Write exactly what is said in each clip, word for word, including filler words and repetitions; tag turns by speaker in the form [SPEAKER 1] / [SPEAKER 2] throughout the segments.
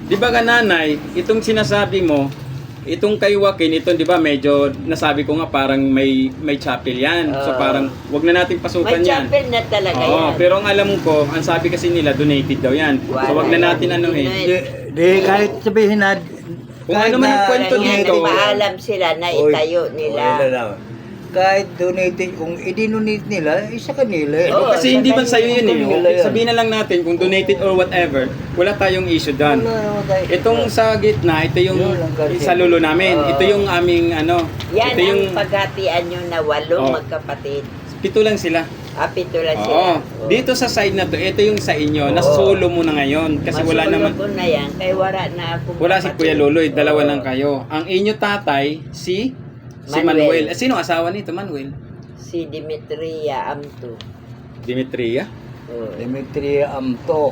[SPEAKER 1] Di ba ka nanay, itong sinasabi mo, itong kay Joaquin, ito di ba medyo nasabi ko nga parang may may chapel yan. So
[SPEAKER 2] Oo.
[SPEAKER 1] parang wag na natin pasukan
[SPEAKER 2] May
[SPEAKER 1] yan.
[SPEAKER 2] chapel na talaga
[SPEAKER 1] Oo,
[SPEAKER 2] yan.
[SPEAKER 1] pero ang alam ko, ang sabi kasi nila donated daw yan. So
[SPEAKER 2] Wala
[SPEAKER 1] wag na
[SPEAKER 2] yan.
[SPEAKER 1] natin ano eh.
[SPEAKER 2] Donate.
[SPEAKER 3] Di, di kahit sabihin na
[SPEAKER 1] Kung ano man ang kwento
[SPEAKER 2] Kaya
[SPEAKER 1] dito.
[SPEAKER 2] nagpaalam sila na
[SPEAKER 3] Oy,
[SPEAKER 2] itayo
[SPEAKER 3] oy,
[SPEAKER 2] nila.
[SPEAKER 3] lang. Kahit donated, kung i-donate nila, isa kanila. eh.
[SPEAKER 2] Oo,
[SPEAKER 1] Kasi hindi man sa'yo yun eh.
[SPEAKER 3] Kanila
[SPEAKER 1] Okay,
[SPEAKER 3] yan.
[SPEAKER 1] sabihin na lang natin kung donated or whatever, wala tayong issue doon.
[SPEAKER 3] Wala naman tayo.
[SPEAKER 1] Itong sa gitna, ito yung
[SPEAKER 3] Yun lang kasi.
[SPEAKER 1] sa lulo namin.
[SPEAKER 2] Oo.
[SPEAKER 1] Ito yung aming ano,
[SPEAKER 2] Yan
[SPEAKER 1] ito yung
[SPEAKER 2] ang paghatian nyo na walong
[SPEAKER 1] Oo.
[SPEAKER 2] magkapatid.
[SPEAKER 1] pito lang sila.
[SPEAKER 2] Apito lang
[SPEAKER 1] Oo.
[SPEAKER 2] sila.
[SPEAKER 1] Dito sa side na to, ito yung sa inyo.
[SPEAKER 2] Oo.
[SPEAKER 1] Nasolo mo na ngayon kasi wala naman
[SPEAKER 2] ko na yan, kaya wala na ako.
[SPEAKER 1] wala si Kuya Loloy, dalawa lang kayo. Ang inyo tatay si si Manuel.
[SPEAKER 2] Manuel.
[SPEAKER 1] Eh, sino asawa nito, Manuel?
[SPEAKER 2] Si Demetria Amto.
[SPEAKER 1] Dimitria.
[SPEAKER 2] Oh,
[SPEAKER 3] Demetria Amto.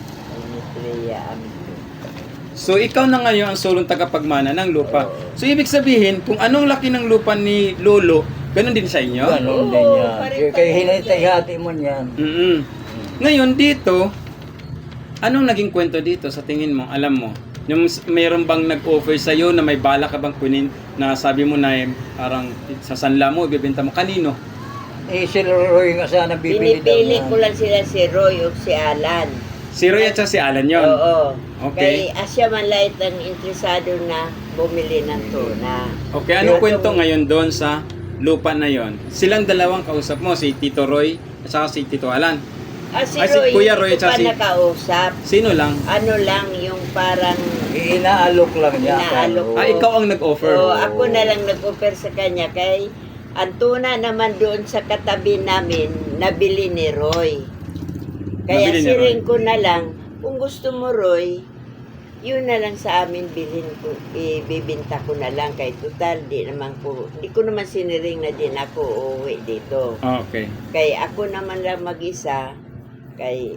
[SPEAKER 2] Demetria Amto.
[SPEAKER 1] So ikaw na ngayon ang solong tagapagmana ng lupa.
[SPEAKER 2] Oo.
[SPEAKER 1] So ibig sabihin, kung anong laki ng lupa ni Lolo, ganun din sa inyo?
[SPEAKER 3] Ganon
[SPEAKER 2] Oo,
[SPEAKER 3] din yan.
[SPEAKER 2] pare-pareho
[SPEAKER 3] Kaya
[SPEAKER 2] yan.
[SPEAKER 3] hinay-hati mo yan.
[SPEAKER 1] Mm. Ngayon dito, anong naging kwento dito sa tingin mo? Alam mo, yung s- mayroon bang nag-offer sa iyo na may bala ka bang kunin na sabi mo na eh, parang sa sanla mo ibebenta mo kanino?
[SPEAKER 3] Eh, si Roy nga sana bibili daw
[SPEAKER 2] Pinipili
[SPEAKER 3] yan.
[SPEAKER 2] ko lang sila si Roy o si Alan.
[SPEAKER 1] Si Roy at si Alan yon.
[SPEAKER 2] Oo.
[SPEAKER 1] Okay.
[SPEAKER 2] Kay Asya Manlight ang interesado na bumili ng tuna.
[SPEAKER 1] Okay, anong
[SPEAKER 2] Pero
[SPEAKER 1] kwento
[SPEAKER 2] kung-
[SPEAKER 1] ngayon doon sa lupa na yon? Silang dalawang kausap mo, si Tito Roy at saka si Tito Alan.
[SPEAKER 2] Ah, si
[SPEAKER 1] Ah, si
[SPEAKER 2] Roy,
[SPEAKER 1] Kuya
[SPEAKER 2] hindi
[SPEAKER 1] Roy
[SPEAKER 2] ko
[SPEAKER 1] at saka
[SPEAKER 2] pa
[SPEAKER 1] si-
[SPEAKER 2] nakausap.
[SPEAKER 1] Sino lang?
[SPEAKER 2] Ano lang, yung parang
[SPEAKER 3] Inaalok lang niya.
[SPEAKER 2] Inaalok.
[SPEAKER 3] Oo.
[SPEAKER 1] Ah, ikaw ang nag-offer.
[SPEAKER 2] Oo, ako na lang nag-offer sa kanya kay ang tuna naman doon sa katabi namin, nabili ni Roy. Kaya
[SPEAKER 1] Nabili ni
[SPEAKER 2] siring
[SPEAKER 1] Roy.
[SPEAKER 2] ko na lang, kung gusto mo Roy, yun na lang sa amin bilhin ko, ibibinta ko na lang kay total, di naman ko, di ko naman siniring na din ako uuwi dito.
[SPEAKER 1] Ah, okay.
[SPEAKER 2] Kay ako naman lang mag-isa, kay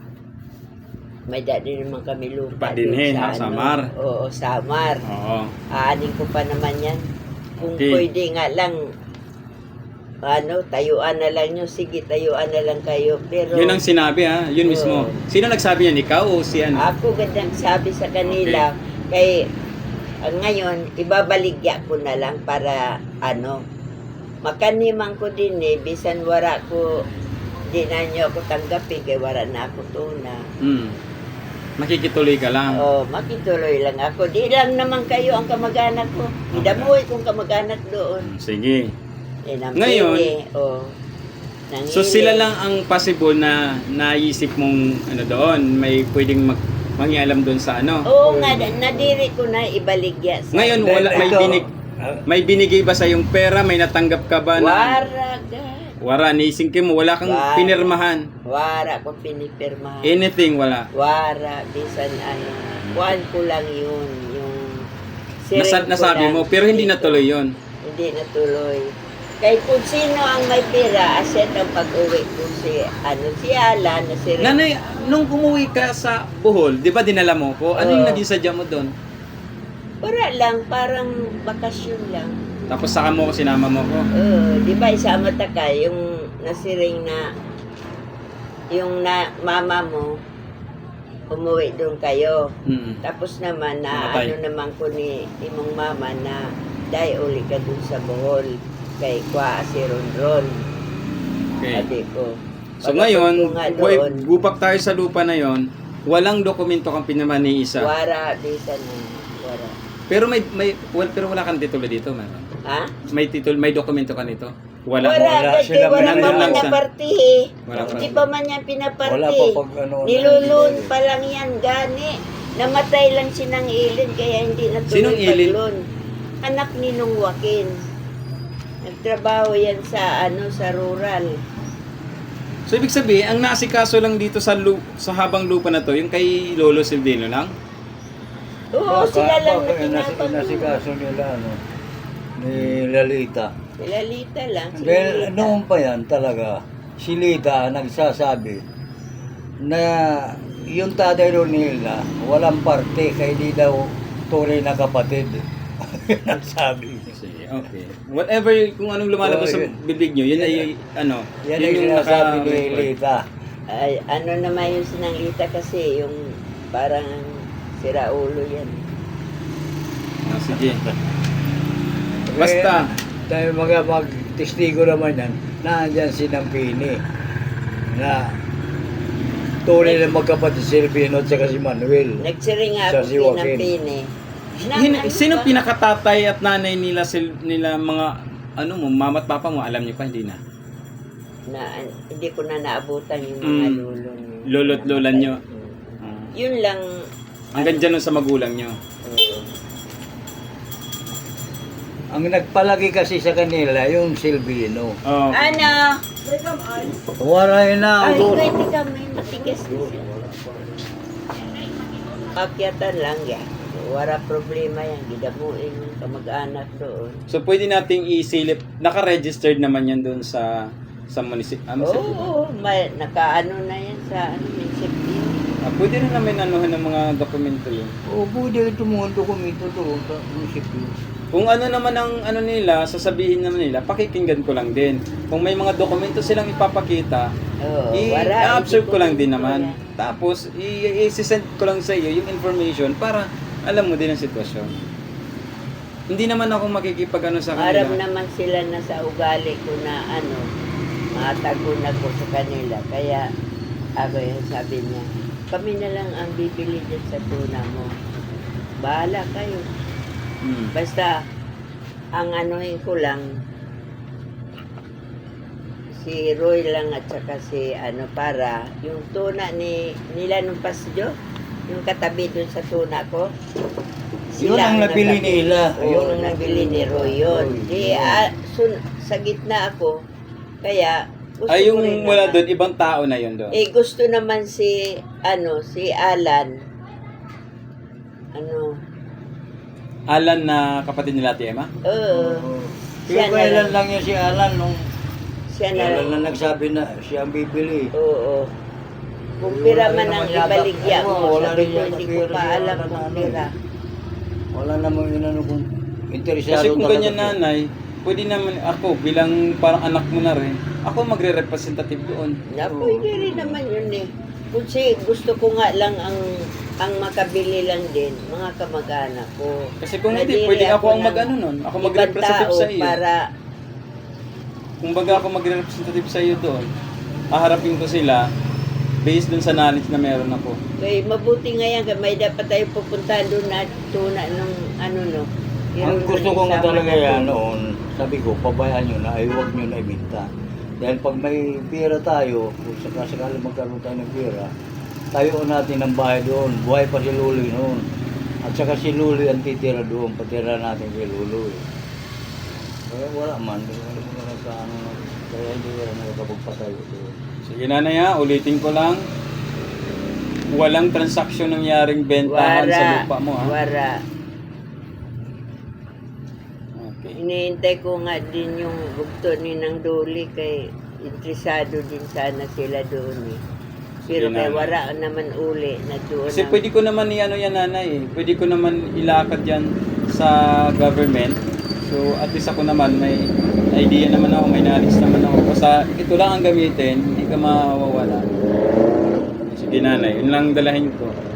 [SPEAKER 2] may dati naman kami lupa
[SPEAKER 1] Lupa din eh, ha,
[SPEAKER 2] ano.
[SPEAKER 1] Samar.
[SPEAKER 2] Oo, Samar.
[SPEAKER 1] Oo.
[SPEAKER 2] Aanin ko pa naman yan. Kung
[SPEAKER 1] Okay.
[SPEAKER 2] pwede nga lang, ano, tayuan na lang nyo. Sige, tayuan na lang kayo. Pero
[SPEAKER 1] Yun ang sinabi ha, yun mismo.
[SPEAKER 2] Oo.
[SPEAKER 1] Sino nagsabi yan? Ikaw o si ano?
[SPEAKER 2] ako gandang sabi sa kanila, kay ang ngayon, ibabaligya ko na lang para, ano, makanimang ko din eh, bisan wara ko, di na nyo ako tanggapin, kay wara na ako tuna.
[SPEAKER 1] Hmm. Makikituloy ka lang.
[SPEAKER 2] Oh, makituloy lang ako. Di lang naman kayo ang kamag-anak ko. Idamuhay kong kamag-anak doon.
[SPEAKER 1] Sige.
[SPEAKER 2] Eh,
[SPEAKER 1] Ngayon,
[SPEAKER 2] nampili, oh. Nangili.
[SPEAKER 1] So sila lang ang possible na naisip mong ano doon, may pwedeng mag mangialam doon sa ano.
[SPEAKER 2] Oo nga, na- nadiri ko na ibaligya sa...
[SPEAKER 1] Ngayon wala may
[SPEAKER 3] Ito,
[SPEAKER 1] binig
[SPEAKER 3] ah,
[SPEAKER 1] may binigay ba sa yung pera, may natanggap ka ba na
[SPEAKER 2] Waraga.
[SPEAKER 1] wala naisingkin mo, wala kang
[SPEAKER 2] Wala.
[SPEAKER 1] pinirmahan.
[SPEAKER 2] Wara ko pinipirmahan.
[SPEAKER 1] Anything wala.
[SPEAKER 2] Wara, bisan ano. Kuhan ko lang yun. Yung...
[SPEAKER 1] Nasa,
[SPEAKER 2] siring ko
[SPEAKER 1] nasabi
[SPEAKER 2] lang.
[SPEAKER 1] mo pero hindi natuloy 'yon.
[SPEAKER 2] Hindi natuloy. Kay kung sino ang may pira, aset ang pag-uwi ko si, ano, si Alan, na si Rick.
[SPEAKER 1] Nanay, nung umuwi ka sa Bohol, 'di ba dinala mo ko? Ano yung
[SPEAKER 2] Oo.
[SPEAKER 1] naging sadya mo doon?
[SPEAKER 2] Wala lang, parang bakasyon lang.
[SPEAKER 1] Tapos saka mo ko sinama mo ko.
[SPEAKER 2] Oo, di ba isama ta ka, yung nasiring na, yung na, mama mo, umuwi doon kayo.
[SPEAKER 1] Mm.
[SPEAKER 2] Tapos naman na
[SPEAKER 1] Namatay.
[SPEAKER 2] ano naman ko ni imong mama na dahil uli ka doon sa Bohol kay Kwa si Ronron.
[SPEAKER 1] Okay.
[SPEAKER 2] Ate ko.
[SPEAKER 1] So
[SPEAKER 2] Pagkatapos
[SPEAKER 1] ngayon,
[SPEAKER 2] ko nga
[SPEAKER 1] boy,
[SPEAKER 2] doon,
[SPEAKER 1] gupak tayo sa lupa na 'yon. Walang dokumento kang pinaman ni isa.
[SPEAKER 2] wara, bisa na, wara.
[SPEAKER 1] Pero may may well, pero wala kang titulo dito, meron.
[SPEAKER 2] Ha?
[SPEAKER 1] May titulo, may dokumento ka nito. Wala.
[SPEAKER 2] Wala,
[SPEAKER 3] wala
[SPEAKER 2] kasi
[SPEAKER 3] sila
[SPEAKER 2] wala pa
[SPEAKER 1] mananalo
[SPEAKER 2] man
[SPEAKER 1] sa-
[SPEAKER 2] naparti eh.
[SPEAKER 1] Wala pa.
[SPEAKER 2] Hindi pa man yan pinaparti.
[SPEAKER 3] wala pa pag ano.
[SPEAKER 2] Nilulun pa lang yan, gani. Namatay lang si Nang Ilin, kaya hindi natuloy
[SPEAKER 1] Sinong Ilin?
[SPEAKER 2] paglun. Anak ni Nung Joaquin. Nagtrabaho yan sa, ano, sa rural.
[SPEAKER 1] So ibig sabihin, ang nasikaso lang dito sa lu sa habang lupa na to, yung kay Lolo Silvino lang.
[SPEAKER 2] Oo, sila lang na pinapag...
[SPEAKER 3] Nasikaso nila, ano, ni Lalita.
[SPEAKER 2] Sila Lita lang. Sila
[SPEAKER 3] Dahil
[SPEAKER 2] Lita.
[SPEAKER 3] noon pa yan talaga, si Lita nagsasabi na yung tatay ro nila walang parte kaya di daw tunay na kapatid. Nagsabi.
[SPEAKER 1] Sige, okay. Whatever, kung anong lumalabas
[SPEAKER 3] Oo,
[SPEAKER 1] sa
[SPEAKER 3] yun.
[SPEAKER 1] bibig nyo, yun ay, ano,
[SPEAKER 3] Yan
[SPEAKER 1] yun
[SPEAKER 3] ang sinasabi ni
[SPEAKER 1] naka-record.
[SPEAKER 3] Lita.
[SPEAKER 2] Ay, ano naman yung sinang Lita kasi, yung parang sira ulo yan.
[SPEAKER 1] Ah, sige. Basta.
[SPEAKER 3] Eh, tayo mga mag-testigo naman yan, nandyan si Nampini na tunay na magkapatid si Silvino at saka si Manuel.
[SPEAKER 2] Nagsiring nga
[SPEAKER 3] Siya
[SPEAKER 2] ako
[SPEAKER 3] si Joaquin.
[SPEAKER 2] pinapini.
[SPEAKER 1] Hin- sino pinakatatay at nanay nila sil- nila mga ano mo, mama at papa mo, alam niyo pa hindi na.
[SPEAKER 2] Na, hindi ko na naabutan yung mga
[SPEAKER 1] Mm.
[SPEAKER 2] lolo niyo.
[SPEAKER 1] Lolo't lola niyo.
[SPEAKER 2] Mm.
[SPEAKER 1] Ah.
[SPEAKER 2] Yun lang.
[SPEAKER 1] Hanggang dyan nun sa magulang niyo.
[SPEAKER 2] Oo.
[SPEAKER 3] Ang nagpalagi kasi sa kanila yung Silvino.
[SPEAKER 1] Oh.
[SPEAKER 2] Ano?
[SPEAKER 3] Waray na
[SPEAKER 2] Ay,
[SPEAKER 3] ako.
[SPEAKER 2] pwede kami matigas na siya. Akyatan lang yan. Wala problema yan. Gidamuin yung kamag-anak doon.
[SPEAKER 1] So pwede nating isilip, naka-registered naman yan doon sa sa munisip. Ah,
[SPEAKER 2] Oo,
[SPEAKER 1] munisip-
[SPEAKER 2] oh, may, nakaano na yan sa ano, munisipyo.
[SPEAKER 1] Ah, pwede rin namin anuhan ng mga dokumento yun.
[SPEAKER 3] O, pwede ito mga dokumento doon sa munisipyo.
[SPEAKER 1] Kung ano naman ang ano nila, sasabihin naman nila, pakikinggan ko lang din. Kung may mga dokumento silang ipapakita,
[SPEAKER 2] Oo, wala.
[SPEAKER 1] i-observe
[SPEAKER 2] hindi
[SPEAKER 1] ko lang din
[SPEAKER 2] ko
[SPEAKER 1] naman.
[SPEAKER 2] yan.
[SPEAKER 1] Tapos, i- i-send ko lang sa iyo yung information para alam mo din ang sitwasyon. Hindi naman ako makikipag ano sa
[SPEAKER 2] Aram
[SPEAKER 1] kanila.
[SPEAKER 2] naman sila na sa ugali ko na ano, matagun ako sa kanila. Kaya ako yung sabi niya, kami na lang ang bibili dyan sa tuna mo. Bahala kayo.
[SPEAKER 1] Hmm.
[SPEAKER 2] Basta, ang anuhin ko lang, si Roy lang at saka si ano para, yung tuna ni nila nung pasyo, yung katabi dun sa tuna ko.
[SPEAKER 3] Yun ang nabili
[SPEAKER 2] nagkatabi.
[SPEAKER 3] nila.
[SPEAKER 2] Oo,
[SPEAKER 3] Yun ang
[SPEAKER 2] nabili ni Roy yun.
[SPEAKER 3] Roy.
[SPEAKER 2] Di, ah, sun, sa gitna ako, kaya gusto
[SPEAKER 1] Ay,
[SPEAKER 2] ko
[SPEAKER 1] yung
[SPEAKER 2] rin
[SPEAKER 1] mula
[SPEAKER 2] naman.
[SPEAKER 1] doon, ibang tao na yun doon.
[SPEAKER 2] Eh, gusto naman si, ano, si Alan, ano,
[SPEAKER 1] Alan na kapatid nila Ate Emma?
[SPEAKER 2] oo, siya
[SPEAKER 3] Pero
[SPEAKER 2] na
[SPEAKER 3] kailan
[SPEAKER 2] lang,
[SPEAKER 3] lang yan si Alan nung
[SPEAKER 2] siya na
[SPEAKER 3] kailan
[SPEAKER 2] lang,
[SPEAKER 3] lang nagsabi na siya ang bibili.
[SPEAKER 2] oo. Kung
[SPEAKER 3] Eh,
[SPEAKER 2] pira
[SPEAKER 3] wala
[SPEAKER 2] man
[SPEAKER 3] rin
[SPEAKER 2] ang
[SPEAKER 3] naman yata-
[SPEAKER 2] ibaligya
[SPEAKER 3] Ewan,
[SPEAKER 2] mo,
[SPEAKER 3] wala
[SPEAKER 2] sabi
[SPEAKER 3] rin
[SPEAKER 2] ko,
[SPEAKER 3] yata
[SPEAKER 2] hindi ko
[SPEAKER 3] pera
[SPEAKER 2] pa
[SPEAKER 3] si
[SPEAKER 2] alam
[SPEAKER 3] Alan
[SPEAKER 2] kung
[SPEAKER 3] na ano
[SPEAKER 2] pira.
[SPEAKER 3] Wala namang inano kung interesado
[SPEAKER 1] Kasi kung
[SPEAKER 3] talaga
[SPEAKER 1] ganyan
[SPEAKER 3] siya.
[SPEAKER 1] nanay, pwede naman ako bilang parang anak mo na rin, ako magre-representative doon.
[SPEAKER 2] Na, pwede rin naman yun eh. Kasi gusto ko nga lang ang ang makabili lang din, mga kamag-anak ko.
[SPEAKER 1] Kasi kung hindi,
[SPEAKER 2] Nadiri
[SPEAKER 1] pwede ako ang
[SPEAKER 2] ng
[SPEAKER 1] mag-ano nun. Ako
[SPEAKER 2] ibang
[SPEAKER 1] magre-representative
[SPEAKER 2] tao
[SPEAKER 1] sa iyo.
[SPEAKER 2] Para,
[SPEAKER 1] Kung baga ako magre-representative sa iyo doon, haharapin ko sila based dun sa knowledge na meron ako.
[SPEAKER 2] kaya mabuti nga yan, kaya may dapat tayo pupunta doon na tuna nung ano no.
[SPEAKER 3] Ang
[SPEAKER 2] Yung
[SPEAKER 3] gusto ko nga
[SPEAKER 2] isama
[SPEAKER 3] talaga
[SPEAKER 2] na
[SPEAKER 3] yan
[SPEAKER 2] doon.
[SPEAKER 3] noon, sabi ko, pabayaan nyo na, ay huwag nyo na ibinta. Dahil pag may pera tayo, kung sakasakali magkaroon tayo ng pera, tayo natin ang bahay doon. Buhay pa si Luloy noon. At saka si Luloy ang titira doon, patira natin si Luloy. Kaya wala man, hindi ko naman sa ano, kaya hindi ko na nakapagpatayo doon.
[SPEAKER 1] Sige nanay ha, ulitin ko lang. Walang transaksyon nangyaring bentahan sa
[SPEAKER 2] Wara,
[SPEAKER 1] lupa mo ha.
[SPEAKER 2] wara.
[SPEAKER 1] Okay.
[SPEAKER 2] Iniintay ko nga din yung bugto ni ng Doli kay interesado din sana sila doon eh. Pero
[SPEAKER 1] Sige,
[SPEAKER 2] kay
[SPEAKER 1] nanay.
[SPEAKER 2] wara naman uli na doon.
[SPEAKER 1] Kasi
[SPEAKER 2] ang-
[SPEAKER 1] pwede ko naman i-ano yan nanay eh. Pwede ko naman ilakad yan sa government. So at least ako naman may idea naman ako, may knowledge naman ako. Basta ito lang ang gamitin, hindi ka mawawala. Sige nanay, yun lang dalahin ko.